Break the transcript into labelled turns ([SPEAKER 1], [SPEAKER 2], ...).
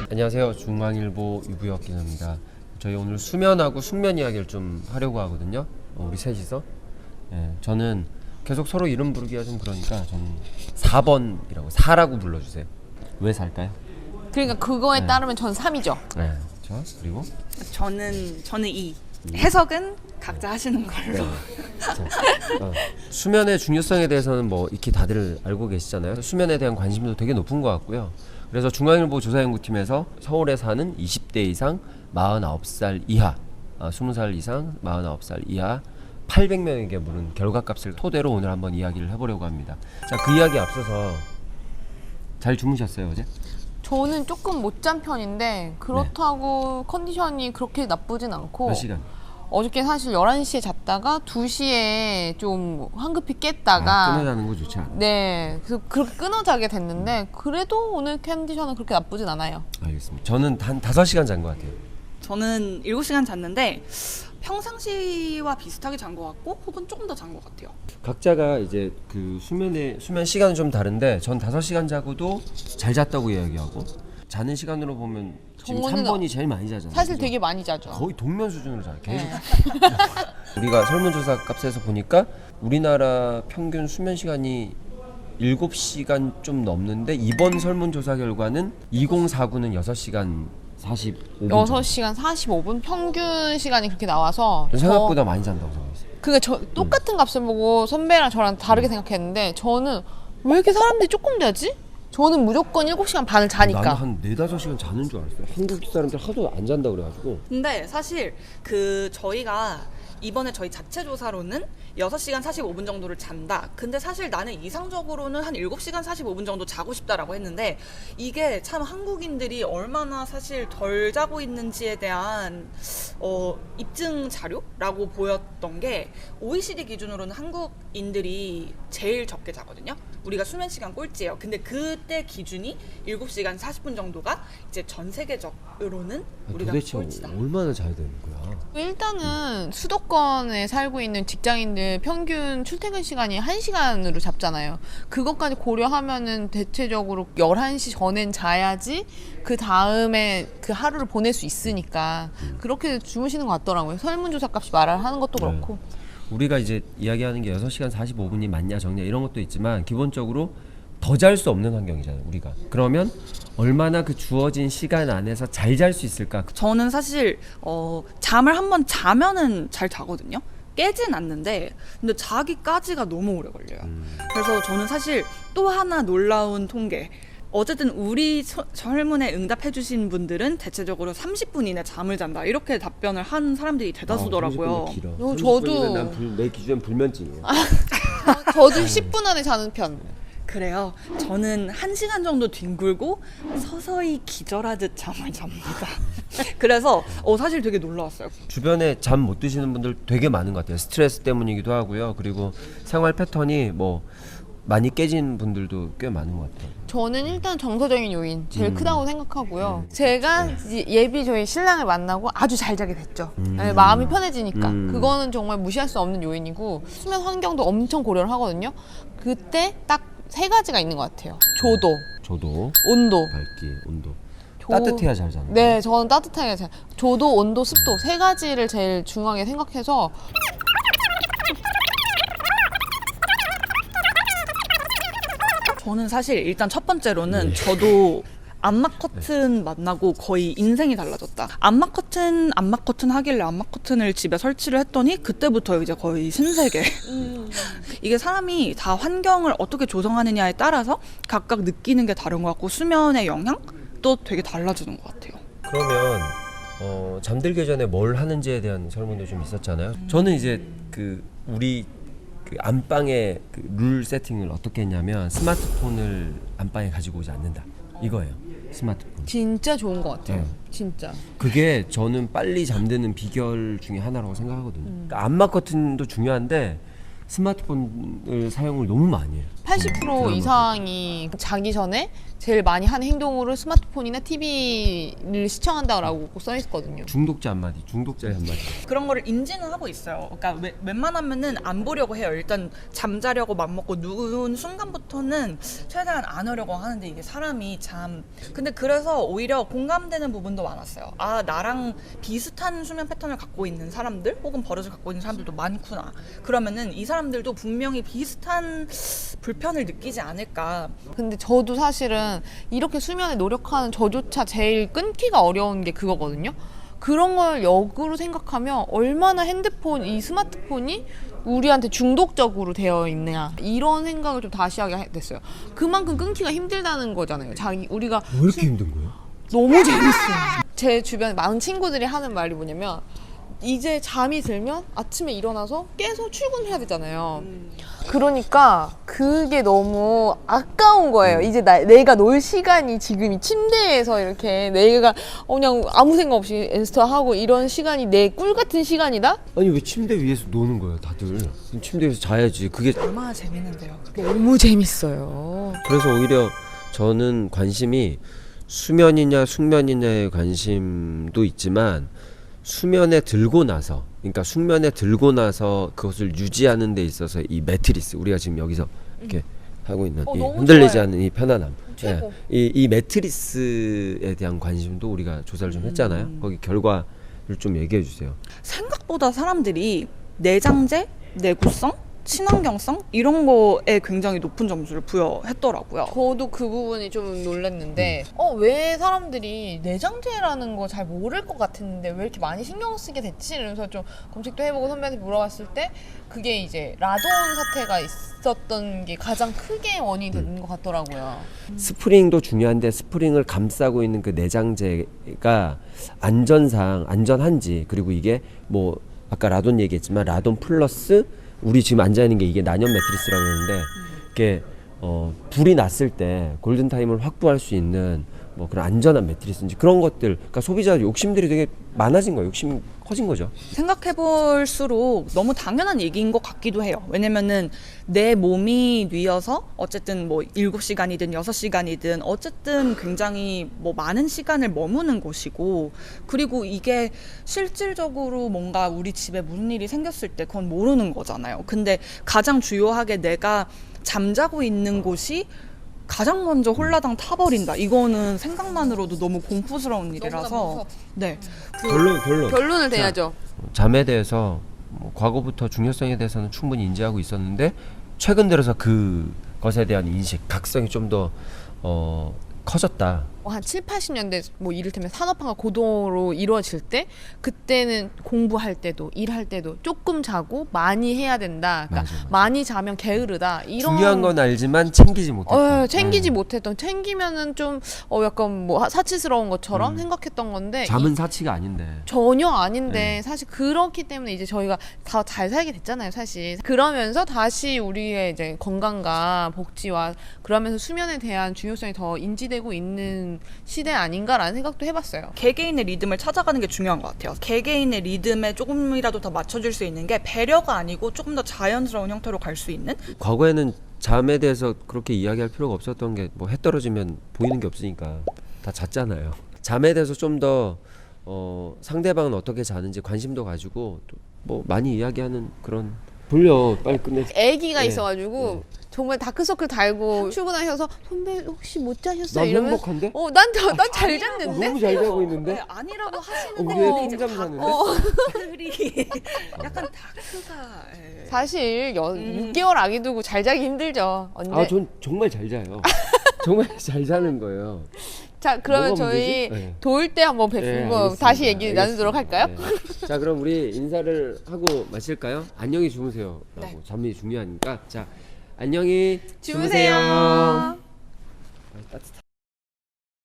[SPEAKER 1] 안녕하세요. 중앙일보 유부혁 기자입니다. 저희 오늘 수면하고 숙면 이야기를 좀 하려고 하거든요. 우리 셋이서. 저는 계속 서로 이름 부르기가 좀 그러니까 저는 4번이라고 4라고 불러주세요. 왜 4일까요?
[SPEAKER 2] 그러니까 그거에 따르면 전 3이죠.
[SPEAKER 1] 네. 그리고
[SPEAKER 3] 저는 2. 해석은 각자 하시는 걸로.
[SPEAKER 1] 수면의 중요성에 대해서는 뭐 익히 다들 알고 계시잖아요. 수면에 대한 관심도 되게 높은 것 같고요. 그래서 중앙일보 조사연구팀에서 서울에 사는 20대 이상 49살 이하 20살 이상 49살 이하 800명에게 물은 결과값을 토대로 오늘 한번 이야기를 해보려고 합니다. 자, 그 이야기 앞서서 잘 주무셨어요 어제?
[SPEAKER 2] 저는 조금 못 잔 편인데 그렇다고 컨디션이 그렇게 나쁘진 않고.
[SPEAKER 1] 몇 시간?
[SPEAKER 2] 어저께 사실 11시에 잤다가 2시에 좀 황급히 깼다가
[SPEAKER 1] 끊어 자는 거 좋지 않아요?
[SPEAKER 2] 네, 그래서 그렇게 끊어 자게 됐는데 그래도 오늘 컨디션은 그렇게 나쁘진 않아요.
[SPEAKER 1] 알겠습니다. 저는 한 5시간 잔 것 같아요.
[SPEAKER 3] 저는 7시간 잤는데 평상시와 비슷하게 잔 것 같고 혹은 조금 더 잔 것 같아요.
[SPEAKER 1] 각자가 이제 그 수면 시간은 좀 다른데 전 5시간 자고도 잘 잤다고 이야기하고, 자는 시간으로 보면 지금
[SPEAKER 2] 저는
[SPEAKER 1] 3번이 제일 많이 자잖아요.
[SPEAKER 2] 사실
[SPEAKER 1] 그죠?
[SPEAKER 2] 되게 많이 자죠.
[SPEAKER 1] 거의 동면 수준으로 자요. 계속.
[SPEAKER 2] 네.
[SPEAKER 1] 우리가 설문조사 값에서 보니까 우리나라 평균 수면 시간이 7시간 좀 넘는데, 이번 설문조사 결과는 2049는 6시간 45분
[SPEAKER 2] 6시간 45분 평균 시간이 그렇게 나와서
[SPEAKER 1] 생각보다 많이 잔다고 생각했어요.
[SPEAKER 2] 그게 저 똑같은 값을 보고 선배랑 저랑 다르게 생각했는데, 저는 왜 이렇게 사람들이 조금 자지? 저는 무조건 7시간 반을 자니까.
[SPEAKER 1] 나는 한 4-5시간 자는 줄 알았어요. 한국 사람들 하도 안 잔다 그래가지고.
[SPEAKER 3] 근데 사실 저희가 이번에 저희 자체 조사로는 6시간 45분 정도를 잔다. 근데 사실 나는 이상적으로는 한 7시간 45분 정도 자고 싶다라고 했는데, 이게 참 한국인들이 얼마나 사실 덜 자고 있는지에 대한 입증 자료라고 보였던 게, OECD 기준으로는 한국인들이 제일 적게 자거든요. 우리가 수면 시간 꼴찌예요. 근데 그때 기준이 7시간 40분 정도가 이제 전 세계적으로는 우리가
[SPEAKER 1] 도대체
[SPEAKER 3] 꼴찌다.
[SPEAKER 1] 얼마나 자야 되는 거야?
[SPEAKER 2] 일단은 수도권에 살고 있는 직장인들 평균 출퇴근 시간이 1시간으로 잡잖아요. 그것까지 고려하면은 대체적으로 11시 전엔 자야지 그 다음에 그 하루를 보낼 수 있으니까 그렇게 주무시는 것 같더라고요. 설문조사 값이 말을 하는 것도 그렇고.
[SPEAKER 1] 우리가 이제 이야기하는 게 6시간 45분이 맞냐 적냐 이런 것도 있지만, 기본적으로 더 잘 수 없는 환경이잖아요 우리가. 그러면 얼마나 그 주어진 시간 안에서 잘 잘 수 있을까?
[SPEAKER 3] 저는 사실 잠을 한번 자면은 잘 자거든요. 깨진 않는데, 근데 자기까지가 너무 오래 걸려요. 그래서 저는 사실 또 하나 놀라운 통계, 어쨌든 우리 설문에 응답해주신 분들은 대체적으로 30분 이내 잠을 잔다, 이렇게 답변을 한 사람들이 대다수더라고요.
[SPEAKER 2] 저도
[SPEAKER 1] 내 기준엔 불면증이에요.
[SPEAKER 2] 저도 10분 안에 자는 편.
[SPEAKER 3] 그래요. 저는 1시간 정도 뒹굴고 서서히 기절하듯 잠을 잡니다. 그래서 사실 되게 놀라웠어요.
[SPEAKER 1] 주변에 잠 못 드시는 분들 되게 많은 것 같아요. 스트레스 때문이기도 하고요. 그리고 생활 패턴이 뭐 많이 깨진 분들도 꽤 많은 것 같아요.
[SPEAKER 2] 저는 일단 정서적인 요인 제일 크다고 생각하고요. 제가 예비 저희 신랑을 만나고 아주 잘 자게 됐죠. 네, 마음이 편해지니까. 그거는 정말 무시할 수 없는 요인이고, 수면 환경도 엄청 고려를 하거든요. 그때 딱 3가지가 있는 것 같아요.
[SPEAKER 1] 저도
[SPEAKER 2] 온도.
[SPEAKER 1] 밝기, 온도. 따뜻해야 잘 자는.
[SPEAKER 2] 네, 저는 따뜻하게 잘. 조도, 온도, 습도 3가지를 제일 중요하게 생각해서.
[SPEAKER 3] 저는 사실 일단 첫 번째로는 저도 암막 커튼 만나고 거의 인생이 달라졌다. 암막 커튼 하길래 암막 커튼을 집에 설치를 했더니 그때부터 이제 거의 신세계. 이게 사람이 다 환경을 어떻게 조성하느냐에 따라서 각각 느끼는 게 다른 것 같고, 수면의 영향도 되게 달라지는 것 같아요.
[SPEAKER 1] 그러면 잠들기 전에 뭘 하는지에 대한 설문도 좀 있었잖아요. 저는 이제 우리 안방의 룰 세팅을 어떻게 했냐면, 스마트폰을 안방에 가지고 오지 않는다, 이거예요. 스마트폰.
[SPEAKER 2] 진짜 좋은 것 같아요. 진짜.
[SPEAKER 1] 그게 저는 빨리 잠드는 비결 중에 하나라고 생각하거든요. 그러니까 암막 커튼도 중요한데 스마트폰을 사용을 너무 많이 해요.
[SPEAKER 2] 80%
[SPEAKER 1] 드라마.
[SPEAKER 2] 이상이 자기 전에 제일 많이 하는 행동으로 스마트폰이나 TV를 시청한다라고 써 있거든요.
[SPEAKER 1] 중독자 한마디, 중독자의 한마디.
[SPEAKER 3] 그런 거를 인지는 하고 있어요. 그러니까 웬만하면은 안 보려고 해요. 일단 잠자려고 맘먹고 누운 순간부터는 최대한 안 하려고 하는데 이게 사람이 참. 근데 그래서 오히려 공감되는 부분도 많았어요. 아, 나랑 비슷한 수면 패턴을 갖고 있는 사람들 혹은 버릇을 갖고 있는 사람들도 많구나. 그러면은 이 사람들도 분명히 비슷한 불편을 느끼지 않을까.
[SPEAKER 2] 근데 저도 사실은 이렇게 수면에 노력하는 저조차 제일 끊기가 어려운 게 그거거든요. 그런 걸 역으로 생각하면 얼마나 핸드폰, 이 스마트폰이 우리한테 중독적으로 되어 있느냐 이런 생각을 좀 다시 하게 됐어요. 그만큼 끊기가 힘들다는 거잖아요. 우리가
[SPEAKER 1] 왜 이렇게 힘든 거예요?
[SPEAKER 2] 너무 재밌어요. 제 주변에 많은 친구들이 하는 말이 뭐냐면 이제 잠이 들면 아침에 일어나서 깨서 출근해야 되잖아요. 그러니까 그게 너무 아까운 거예요. 이제 내가 놀 시간이 지금 이 침대에서 이렇게 내가 그냥 아무 생각 없이 인스타하고 이런 시간이 내 꿀 같은 시간이다?
[SPEAKER 1] 아니 왜 침대 위에서 노는 거예요, 다들? 그럼 침대 위에서 자야지. 그게
[SPEAKER 3] 얼마나 재밌는데요.
[SPEAKER 2] 너무 재밌어요.
[SPEAKER 1] 그래서 오히려 저는 관심이 수면이냐 숙면이냐의 관심도 있지만 수면에 들고 나서, 그러니까 숙면에 들고 나서 그것을 유지하는 데 있어서 이 매트리스, 우리가 지금 여기서 이렇게 하고 있는 이
[SPEAKER 2] 너무
[SPEAKER 1] 흔들리지
[SPEAKER 2] 좋아요.
[SPEAKER 1] 않는 이 편안함,
[SPEAKER 2] 최고.
[SPEAKER 1] 이 매트리스에 대한 관심도 우리가 조사를 좀 했잖아요. 거기 결과를 좀 얘기해 주세요.
[SPEAKER 3] 생각보다 사람들이 내장재, 내구성, 친환경성 이런 거에 굉장히 높은 점수를 부여했더라고요.
[SPEAKER 2] 저도 그 부분이 좀 놀랐는데 왜 사람들이 내장재라는 거 잘 모를 것 같았는데 왜 이렇게 많이 신경 쓰게 됐지? 이러면서 좀 검색도 해보고 선배한테 물어봤을 때 그게 이제 라돈 사태가 있었던 게 가장 크게 원인이 되는 것 같더라고요.
[SPEAKER 1] 스프링도 중요한데 스프링을 감싸고 있는 그 내장재가 안전상 안전한지, 그리고 이게 뭐 아까 라돈 얘기했지만 라돈 플러스 우리 지금 앉아 있는 게 이게 난연 매트리스라고 그러는데 이게 불이 났을 때 골든 타임을 확보할 수 있는 뭐 그런 안전한 매트리스인지 그런 것들, 그러니까 소비자 욕심들이 되게 많아진 거예요. 욕심이 커진 거죠.
[SPEAKER 3] 생각해볼수록 너무 당연한 얘기인 것 같기도 해요. 왜냐면은 내 몸이 뉘어서 어쨌든 뭐 7시간이든 6시간이든 어쨌든 굉장히 뭐 많은 시간을 머무는 곳이고, 그리고 이게 실질적으로 뭔가 우리 집에 무슨 일이 생겼을 때 그건 모르는 거잖아요. 근데 가장 주요하게 내가 잠자고 있는 곳이 가장 먼저 홀라당 타버린다. 이거는 생각만으로도 너무 공포스러운 일이라서. 네.
[SPEAKER 2] 결론을 내야죠.
[SPEAKER 1] 잠에 대해서 뭐 과거부터 중요성에 대해서는 충분히 인지하고 있었는데 최근 들어서 그것에 대한 인식, 각성이 좀 더 커졌다.
[SPEAKER 2] 한 7, 80년대 뭐 이를테면 산업화가 고도로 이루어질 때 그때는 공부할 때도 일할 때도 조금 자고 많이 해야 된다. 그러니까
[SPEAKER 1] 맞아.
[SPEAKER 2] 많이 자면 게으르다. 이런
[SPEAKER 1] 중요한 건 알지만 챙기지 못했다.
[SPEAKER 2] 챙기지 못했던, 챙기면은 좀 약간 뭐 사치스러운 것처럼 생각했던 건데
[SPEAKER 1] 잠은 사치가 아닌데.
[SPEAKER 2] 전혀 아닌데 사실 그렇기 때문에 이제 저희가 다 잘 살게 됐잖아요, 사실. 그러면서 다시 우리의 이제 건강과 복지와 그러면서 수면에 대한 중요성이 더 인지되고 있는 시대 아닌가라는 생각도 해봤어요.
[SPEAKER 3] 개개인의 리듬을 찾아가는 게 중요한 것 같아요. 개개인의 리듬에 조금이라도 더 맞춰줄 수 있는 게 배려가 아니고 조금 더 자연스러운 형태로 갈 수 있는?
[SPEAKER 1] 과거에는 잠에 대해서 그렇게 이야기할 필요가 없었던 게 뭐 해 떨어지면 보이는 게 없으니까 다 잤잖아요. 잠에 대해서 좀 더 상대방은 어떻게 자는지 관심도 가지고 또 뭐 많이 이야기하는 그런. 돌려 빨리 끝내.
[SPEAKER 2] 애기가
[SPEAKER 1] 네.
[SPEAKER 2] 있어가지고 정말 다크서클 달고 출근하셔서 선배 혹시 못 자셨어요?
[SPEAKER 1] 난
[SPEAKER 2] 이러면
[SPEAKER 1] 행복한데?
[SPEAKER 2] 난 잘 잤는데?
[SPEAKER 1] 너무 잘 자고 있는데?
[SPEAKER 3] 네, 아니라고
[SPEAKER 1] 우리
[SPEAKER 3] 하시는데
[SPEAKER 1] 애 꿀잠 자는데?
[SPEAKER 3] 다크들이 약간 다크가
[SPEAKER 2] 사실 6개월 아기 두고 잘 자기 힘들죠. 언제?
[SPEAKER 1] 전 정말 잘 자요. 정말 잘 자는 거예요.
[SPEAKER 2] 자, 그러면
[SPEAKER 1] 뭐가
[SPEAKER 2] 저희
[SPEAKER 1] 문제지? 네.
[SPEAKER 2] 도울 때 한번 뵙고
[SPEAKER 1] 알겠습니다.
[SPEAKER 2] 다시 얘기
[SPEAKER 1] 알겠습니다.
[SPEAKER 2] 나누도록 할까요?
[SPEAKER 1] 네. 자, 그럼 우리 인사를 하고 마실까요? 안녕히 주무세요.
[SPEAKER 3] 네.
[SPEAKER 1] 잠이 중요하니까. 자, 안녕히
[SPEAKER 2] 주무세요.
[SPEAKER 1] 아, 따뜻하다.